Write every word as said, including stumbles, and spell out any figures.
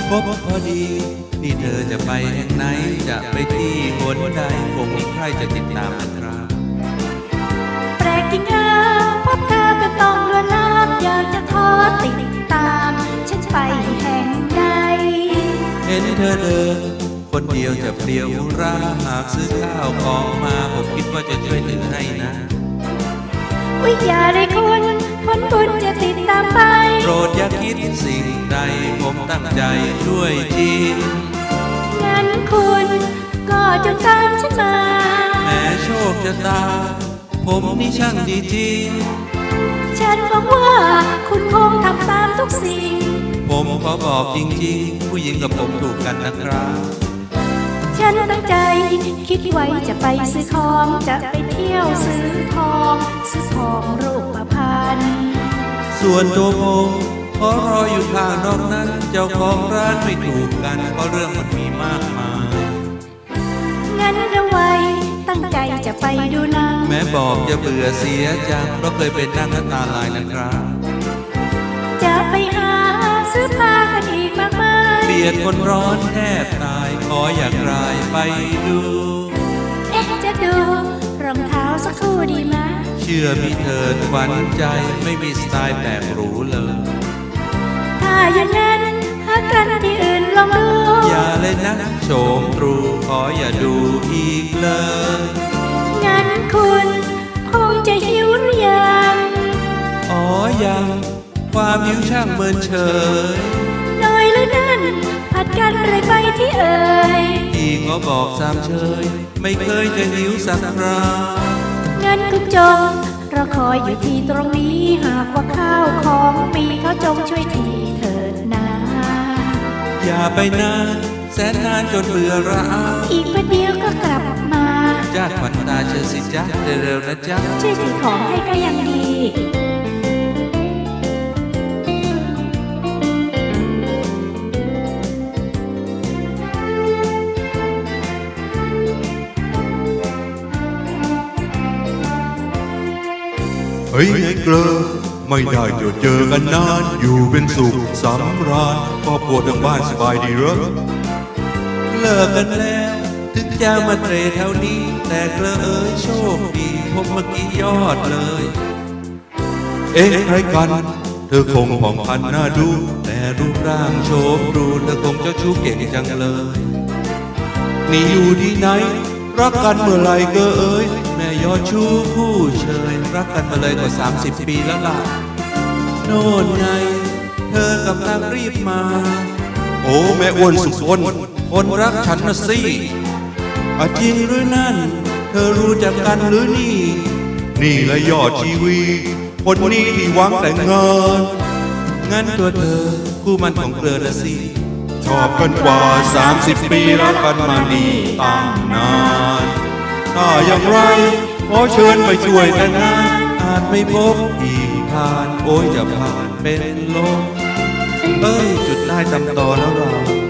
พบพอดีนี่เธอจะไปแห่งไหนจะไปที่หนใดคงมีใครจะติดตามนะครับแปลกจริงนะพบเธอก็ต้องลวนลามอยากจะขอติดตามฉันไปแห่งใดเห็นเธอเดินคนเดียวจะเปลี่ยวราหากซื้อข้าวของมาผมคิดว่าจะช่วยถือให้นะวิญญาได้คุณผลบุญจะติดตามไปโปรดอย่าคิดสิ่งใดผมตั้งใจช่วยจริงงั้นคุณก็จงตามฉันมาแม้โชคชะตาผมนี่ช่างดีจริงฉันหวังว่าคุณคงทำตามทุกสิ่งผมขอบอกจริงๆผู้หญิงกับผมถูกกันนะครับฉันตั้งใจคิดไว้จะไปซื้อของจะไปเที่ยวซื้อทองซื้อทองรูปพรรณส่วนตัวผมขอรออยู่ข้างนอกนั้นเจ้าของร้านไม่ถูกกันเพราะเรื่องมันมีมากมายงั้นเอาไว้ตั้งใจจะไปดูหนังแม้บอกจะเบื่อเสียจังเพราะเคยเป็นนั่งน้ำตาลายนะครับจะไปหาซื้อผ้ากันอีกมากมายเบียดคนร้อนแทบตายขออยากรายไปดูเอ๊ะจะดูรองเท้าสักคู่ดีไหมเชื่อมีเธอขวัญใจไม่มีสไตล์แปลกหรูเลยถ้าอย่างนั้นหากันที่อื่นลองดูอย่าเลยนะโฉมตรูขออย่าดูอีกเลยงั้นคุณคงจะหิวหรือยังอ๋อยังความหิวช่างเมินเฉยน้อยหรือนั่นผัดกันไรไปที่เอ่ยที่ขอบอกสามเชยไม่เคยจะหิวสักครางั้นคุณจงรอคอยอยู่ที่ตรงนี้หากว่าข้าวของปีเขาจงช่วยทีเถิดนะอย่าไปนานแสนนานจนเบื่อระอาอีกประเดี๋ยวก็กลับมาจ้าขวัญตาเชิญสิจ๊ะเร็วๆนะจ๊ะช่วยถือของให้ก็ยังดีเฮ้ยไอ้เกลอไม่ได้เจอเจอกันนานอยู่เป็นสุขสำราญครอบครัวทั้งบ้านสบายดีเหรอเลิกกันแล้วถึงจะมาเตะแถวนี้แต่เกลอเอ้ยโชคดีผมเมื่อกี้ยอดเลยเอ๊ะใครกันเธอคงผ่องพันน่าดูแต่รูปร่างโฉมดูเธอคงเจ้าชู้เก่งจังเลยนี่อยู่ที่ไหนรักกันเมื่อไรก็เอ้ยแม่ยอดชู้คู่เชยรักกันมาเลยกว่าสามสิบปีแล้วล่ะโน่นไงเธอกำลังรีบมาโอ้แม่อ้วนสุดคนคนรักฉันนะสิอาจริงหรือนั่นเธอรู้จักกันหรือนี่นี่ละยอดชีวีคนนี้ที่หวังแต่งงานงั้นตัวเธอคู่มันของเกลอละสิชอบกันกว่าสามสิบปีรักกันมานี่ตั้งนานถ้าอย่างไรขอเชิญไปช่วยแต่งงานอาจไม่พบอีกผ่านโอ้ยจะผ่านเป็นลมเอ้ยจุดได้ตำต่อแล้วเรา